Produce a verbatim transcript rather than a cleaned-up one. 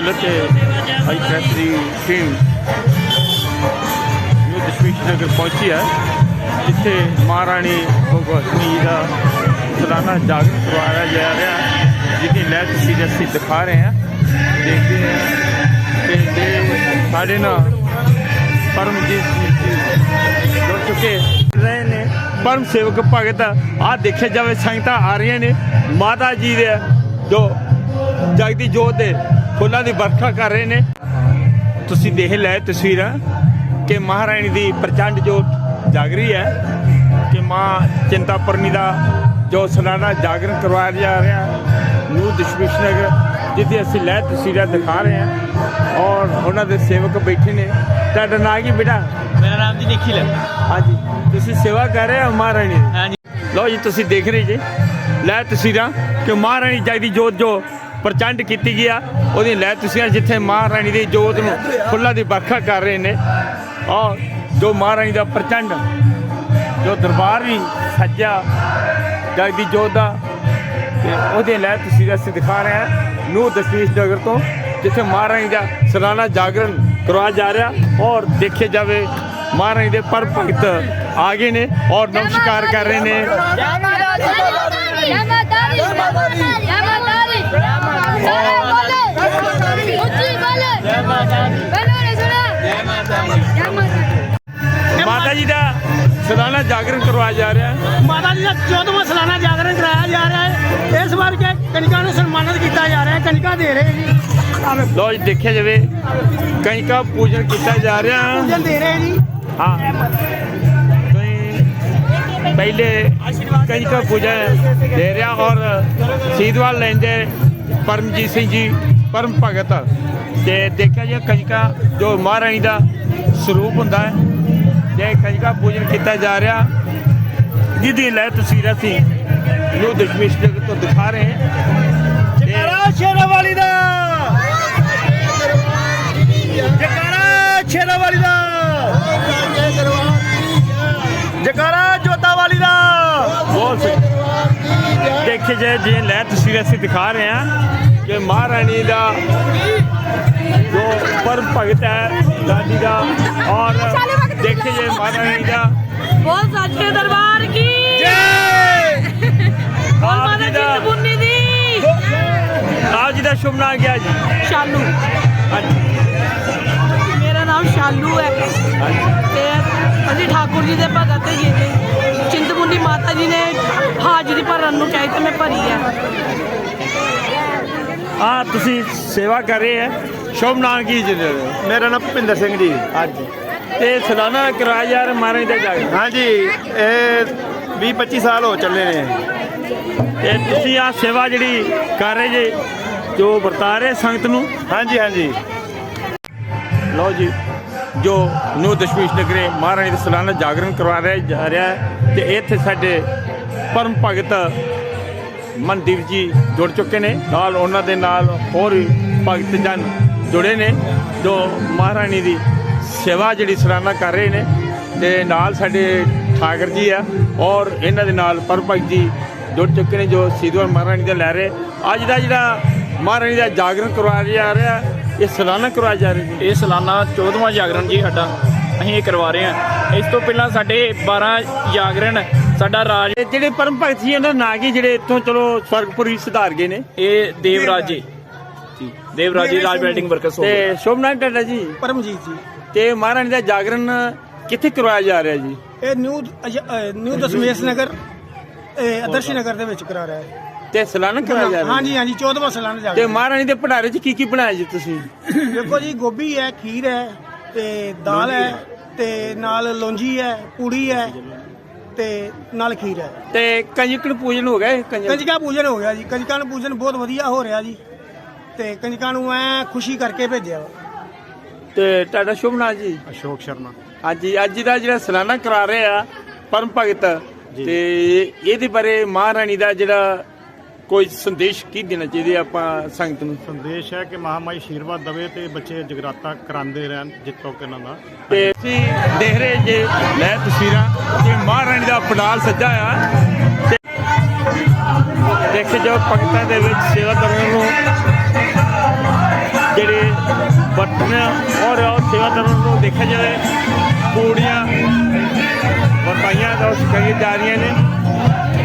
ਗਿੱਲ ਤੇ high press ਦੀ team new Dashmesh Nagar ਪਹੁੰਚੀ ਹੈ, ਜਿੱਥੇ ਮਹਾਰਾਣੀ ਭਗਵਤੀ ਜੀ ਦਾ ਸਾਲਾਨਾ ਜਾਗਰਣ ਕਰਵਾਇਆ ਜਾ ਰਿਹਾ, ਜਿਹਦੀ ਲੈ ਤਸਵੀਰ ਅਸੀਂ ਦਿਖਾ ਰਹੇ ਹਾਂ। ਦੇਖਦੇ ਹਾਂ ਕਿ ਸਾਡੇ ਨਾਲ ਪਰਮਜੀਤ ਜੀ ਜੁੜ ਚੁੱਕੇ ਰਹੇ ਨੇ। ਪਰਮ ਸੇਵਕ ਭਗਤ ਆਹ ਦੇਖਿਆ ਜਾਵੇ ਸੰਗਤਾਂ ਆ ਰਹੀਆਂ ਨੇ, ਮਾਤਾ ਜੀ ਦੇ ਜੋ ਜਗਦੀ ਜੋਤ ਦੇ ਫੁੱਲਾਂ ਦੀ ਵਰਖਾ ਕਰ ਰਹੇ ਨੇ। ਤੁਸੀਂ ਦੇਖ ਲੈ ਤਸਵੀਰਾਂ ਕਿ ਮਹਾਰਾਣੀ ਦੀ ਪ੍ਰਚੰਡ ਜੋਤ ਜਾਗ ਰਹੀ ਹੈ ਕਿ ਮਾਂ ਚਿੰਤਾਪੁਰਨੀ ਦਾ ਜੋ ਸਾਲਾਨਾ ਜਾਗਰਣ ਕਰਵਾਇਆ ਜਾ ਰਿਹਾ ਨਿਊ ਦਸ਼ਮੇਸ਼ ਨਗਰ, ਜਿੱਥੇ ਅਸੀਂ ਲੈ ਤਸਵੀਰਾਂ ਦਿਖਾ ਰਹੇ ਹਾਂ ਔਰ ਉਹਨਾਂ ਦੇ ਸੇਵਕ ਬੈਠੇ ਨੇ। ਤੁਹਾਡਾ ਨਾਂ ਕੀ ਬੇਟਾ? ਮੇਰਾ ਨਾਮ ਜੀ ਨਿਖਿਲ ਹੈ। ਹਾਂਜੀ, ਤੁਸੀਂ ਸੇਵਾ ਕਰ ਰਹੇ ਹੋ ਮਹਾਰਾਣੀ ਦੀ? ਹਾਂਜੀ। ਲਓ ਜੀ, ਤੁਸੀਂ ਦੇਖ ਰਹੇ ਜੀ ਲੈ ਤਸਵੀਰਾਂ ਕਿ ਮਹਾਰਾਣੀ ਜਗਦੀ ਜੋਤ ਜੋ ਪ੍ਰਚੰਡ ਕੀਤੀ ਗਈ ਆ, ਉਹਦੀ ਲੈ ਤਸਵੀਰਾਂ ਜਿੱਥੇ ਮਹਾਰਾਣੀ ਦੀ ਜੋਤ ਨੂੰ ਫੁੱਲਾਂ ਦੀ ਵਰਖਾ ਕਰ ਰਹੇ ਨੇ ਔਰ ਜੋ ਮਹਾਰਾਣੀ ਦਾ ਪ੍ਰਚੰਡ ਜੋ ਦਰਬਾਰ ਵੀ ਸੱਜਿਆ ਜਗਦੀ ਜੋਤ ਦਾ, ਤੇ ਉਹਦੇ ਲੈ ਤਸਵੀਰਾਂ ਅਸੀਂ ਦਿਖਾ ਰਹੇ ਹਾਂ ਨਿਊ ਦਸ਼ਮੇਸ਼ ਨਗਰ ਤੋਂ, ਜਿੱਥੇ ਮਹਾਰਾਣੀ ਦਾ ਸਾਲਾਨਾ ਜਾਗਰਣ ਕਰਵਾਇਆ ਜਾ ਰਿਹਾ। ਔਰ ਦੇਖਿਆ ਜਾਵੇ ਮਹਾਰਾਣੀ ਦੇ ਪਰ ਭਗਤ ਆ ਗਏ ਨੇ ਔਰ ਨਮਸਕਾਰ ਕਰ ਰਹੇ ਨੇ। ਮਾਤਾ ਜੀ ਦਾ ਸਾਲਾਨਾ ਜਾਗਰਣ ਕਰਵਾਇਆ ਜਾ ਰਿਹਾ ਹੈ। ਮਾਤਾ ਜੀ ਦਾ ਚੌਦਵਾਂ ਸਾਲਾਨਾ ਜਾਗਰਣ ਕਰਾਇਆ ਜਾ ਰਿਹਾ ਹੈ। ਇਸ ਵਾਰ ਕੇ ਕਨਿਕਾ ਨੂੰ ਸਨਮਾਨਿਤ ਕੀਤਾ ਜਾ ਰਿਹਾ ਹੈ, ਕਨਿਕਾ ਦੇ ਰਹੇ ਜੀ। ਲੋ ਜੀ, ਦੇਖਿਆ ਜਾਵੇ ਕਨਿਕਾ ਪੂਜਨ ਕੀਤਾ ਜਾ ਰਿਹਾ। ਪੂਜਨ ਦੇ ਰਹੇ ਜੀ। ਹਾਂ, ਪਹਿਲੇ ਕਨਿਕਾ ਪੂਜਨ ਦੇ ਰਿਹਾ ਔਰ ਸੀਦਵਾਲ ਲੈਂਦੇ ਪਰਮਜੀਤ ਸਿੰਘ ਜੀ ਪਰਮ ਭਗਤ। ਤੇ ਦੇਖਿਆ ਜੀ ਕਨਿਕਾ ਜੋ ਮਹਾਰਾਣੀ ਦਾ ਸਰੂਪ ਹੁੰਦਾ ਹੈ, ਜੇ ਕਨਿਕਾ ਪੂਜਨ ਕੀਤਾ ਜਾ ਰਿਹਾ, ਜਿਹਦੀ ਲੈ ਤਸਵੀਰਾਂ ਸੀ ਨਿਊ ਦਸ਼ਮੇਸ਼ ਨਗਰ ਤੋਂ ਦਿਖਾ ਰਹੇ ਹਾਂ। ਜਕਾਰਾ ਸ਼ੇਰਾਂ ਵਾਲੀ ਦਾ, ਜਕਾਰਾ ਸ਼ੇਰਾਂ ਵਾਲੀ ਦਾ, ਜਕਾਰਾ ਜੋਤਾ ਵਾਲੀ ਦਾ। ਬਹੁਤ ਦੇਖੇ ਜਾਏ ਜੀ ਲੈ ਤਸਵੀਰਾਂ ਅਸੀਂ ਦਿਖਾ ਰਹੇ ਹਾਂ ਕਿ ਮਹਾਰਾਣੀ ਦਾ ਜੋ ਪਰਮ ਭਗਤ ਹੈ ਦਾਦੀ ਦਾ, ਔਰ ਦੇਖੇ ਜਾਏ ਮਹਾਰਾਣੀ ਦਾ ਬਹੁਤ ਸੱਚੇ ਦਰਬਾਰ ਕੀ ਆਪ ਜੀ ਦਾ ਆਪ ਜੀ ਦਾ ਸ਼ੁਭ ਨਾਮ ਕੀ ਹੈ ਜੀ? ਸ਼ਾਲੂ। ਹਾਂਜੀ, ਮੇਰਾ ਨਾਮ ਸ਼ਾਲੂ ਹੈ ਤੇ ਅਸੀਂ ਠਾਕੁਰ ਜੀ ਦੇ ਭਗਤ ਜੀ ਨੇ। ਚਿੰਤਪੁਰਨੀ ਮਾਤਾ ਜੀ ਨੇ ਹਾਜ਼ਰੀ ਭਰਨ ਨੂੰ ਚਾਹੀ ਤੇ ਮੈਂ ਭਰੀ ਹੈ। ਆ ਤੁਸੀਂ ਸੇਵਾ ਕਰ ਰਹੇ ਹੈ, ਸ਼ੁਭ ਨਾਮ ਕੀ ਜੀ? ਮੇਰਾ ਨਾਮ ਭੁਪਿੰਦਰ ਸਿੰਘ ਜੀ। ਹਾਂਜੀ, ਤੇ ਸਾਲਾਨਾ ਕਰਾਇਆ ਜਾ ਰਿਹਾ ਮਹਾਰਾਣੀ ਦਾ ਜਾਗਰਣ? ਹਾਂਜੀ, ਇਹ ਵੀਹ ਪੱਚੀ ਸਾਲ ਹੋ ਚੱਲੇ ਨੇ। ਤੇ ਤੁਸੀਂ ਆ ਸੇਵਾ ਜਿਹੜੀ ਕਰ ਰਹੇ ਜੇ ਜੋ ਵਰਤਾ ਰਹੇ ਸੰਗਤ ਨੂੰ? ਹਾਂਜੀ ਹਾਂਜੀ। ਲਓ ਜੀ, ਜੋ ਨਿਊ ਦਸ਼ਮੇਸ਼ ਨਗਰੇ ਮਹਾਰਾਣੀ ਦਾ ਸਾਲਾਨਾ ਜਾਗਰਣ ਕਰਵਾ ਰਿਹਾ ਜਾ ਰਿਹਾ ਹੈ, ਤੇ ਇੱਥੇ ਸਾਡੇ ਪਰਮ ਭਗਤ ਮਨਦੀਪ ਜੀ ਜੁੜ ਚੁੱਕੇ ਨੇ, ਨਾਲ ਉਹਨਾਂ ਦੇ ਨਾਲ ਹੋਰ ਵੀ ਭਗਤ ਜਨ ਜੁੜੇ ਨੇ ਜੋ ਮਹਾਰਾਣੀ ਦੀ ਸੇਵਾ ਜਿਹੜੀ ਸਾਲਾਨਾ ਕਰ ਰਹੇ ਨੇ। ਤੇ ਨਾਲ ਸਾਡੇ ਠਾਕਰ ਜੀ ਆ ਔਰ ਇਹਨਾਂ ਦੇ ਨਾਲ ਪਰਮ ਭਗਤ ਜੀ ਜੁੜ ਚੁੱਕੇ ਨੇ ਜੋ ਸੀਦਵਾਲ ਮਹਾਰਾਣੀ ਦਾ ਲੈ ਰਹੇ। ਅੱਜ ਦਾ ਜਿਹੜਾ ਮਹਾਰਾਣੀ ਦਾ ਜਾਗਰਣ ਕਰਵਾਇਆ ਜਾ ਰਿਹਾ, ਇਹ ਸਾਲਾਨਾ ਕਰਵਾਇਆ ਜਾ ਰਿਹਾ ਜੀ? ਇਹ ਸਾਲਾਨਾ ਚੌਦਵਾਂ ਜਾਗਰਣ ਜੀ ਸਾਡਾ, ਅਸੀਂ ਇਹ ਕਰਵਾ ਰਹੇ ਹਾਂ। ਇਸ ਤੋਂ ਪਹਿਲਾਂ ਸਾਡੇ ਬਾਰਾਂ ਜਾਗਰਣ ਸਾਡਾ ਰਾਜ। ਤੇ ਜਿਹੜੇ ਪਰਮ ਭਗਤ ਸੀ ਉਹਨਾਂ ਦਾ ਨਾਂ ਕੀ ਜਿਹੜੇ ਇੱਥੋਂ ਚਲੋ ਸਵਰਗਪੁਰੀ ਸੁਧਾਰ ਗਏ ਨੇ? ਇਹ ਦੇਵਰਾਜ ਜੀ, ਦੇਵਰਾਜ ਜੀ ਰਾਜ ਬਿਲਡਿੰਗ ਵਰਕਰਸ। ਤੇ ਸ਼ੁਭ ਨਾਮ ਤੁਹਾਡਾ ਜੀ? ਪਰਮਜੀਤ ਜੀ। ਤੇ ਮਹਾਰਾਣੀ ਦਾ ਜਾਗਰਣ ਕਿੱਥੇ ਕਰਵਾਇਆ ਜਾ ਰਿਹਾ ਜੀ? ਇਹ ਨਿਊ ਨਿਊ ਦਸ਼ਮੇਸ਼ ਨਗਰ ਆਦਰਸ਼ ਨਗਰ ਦੇ ਵਿੱਚ ਕਰਾ ਰਿਹਾ ਹੈ। ਤੇ ਸਾਲਾਨਾ ਕਰਵਾਇਆ ਜਾ ਰਿਹਾ? ਹਾਂਜੀ ਹਾਂਜੀ, ਚੌਦਵਾਂ ਸਾਲਾਨਾ ਜਾਗਰਣ। ਤੇ ਮਹਾਰਾਣੀ ਦੇ ਭੰਡਾਰੇ 'ਚ ਕੀ ਕੀ ਬਣਾਇਆ ਜੀ ਤੁਸੀਂ? ਦੇਖੋ ਜੀ, ਗੋਭੀ ਹੈ, ਖੀਰ ਹੈ ਤੇ ਦਾਲ ਹੈ ਤੇ ਨਾਲ ਲੌਂਜੀ ਹੈ, ਪੂੜੀ ਹੈ ਤੇ ਨਾਲ ਖੀਰ ਹੈ। ਤੇ ਕੰਜਕਣ ਪੂਜਨ ਹੋ ਗਿਆ? ਕੰਜਕਾ ਪੂਜਨ ਹੋ ਗਿਆ ਜੀ। ਕੰਜਕਾਂ ਨੂੰ ਪੂਜਨ ਬਹੁਤ ਵਧੀਆ ਹੋ ਰਿਹਾ ਜੀ, ਤੇ ਕੰਜਕਾਂ ਨੂੰ ਐ ਖੁਸ਼ੀ ਕਰਕੇ ਭੇਜਿਆ। ਤੇ ਤੁਹਾਡਾ ਸ਼ੁਭ ਨਾਮ ਜੀ? ਅਸ਼ੋਕ ਸ਼ਰਮਾ। ਹਾਂਜੀ, ਅੱਜ ਦਾ ਜਿਹੜਾ ਸਾਲਾਨਾ ਕਰਾ ਰਹੇ ਆ ਪਰਮ ਭਗਤ, ਤੇ ਇਹਦੇ ਬਾਰੇ ਮਹਾਰਾਣੀ ਦਾ ਜਿਹੜਾ ਕੋਈ ਸੰਦੇਸ਼ ਕੀ ਦੇਣਾ ਚਾਹੀਦਾ ਆਪਾਂ ਸੰਗਤ ਨੂੰ? ਸੰਦੇਸ਼ ਹੈ ਕਿ ਮਹਾਮਾਈ ਆਸ਼ੀਰਵਾਦ ਦੇਵੇ ਤੇ ਬੱਚੇ ਜਗਰਾਤਾ ਕਰਾਉਂਦੇ ਰਹਿਣ ਜਿੱਤੋਂ ਕਿ ਇਹਨਾਂ ਦਾ। ਤੇ ਤੁਸੀਂ ਦੇਖ ਰਹੇ ਜੇ ਲੈ ਤਸਵੀਰਾਂ ਕਿ ਮਹਾਰਾਣੀ ਦਾ ਪੰਡਾਲ ਸੱਜਾ ਆ, ਤੇ ਦੇਖੇ ਜੋ ਭਗਤਾਂ ਦੇ ਵਿੱਚ ਸੇਵਾਦਾਰਾਂ ਨੂੰ ਜਿਹੜੇ ਵਰਤਨ ਔਰ ਸੇਵਾਦਾਰਾਂ ਨੂੰ ਦੇਖਿਆ ਜਾਵੇ ਪੂੜੀਆਂ ਵਰਤਾਈਆਂ ਦਾ ਕਰੀਆਂ ਜਾ ਰਹੀਆਂ ਨੇ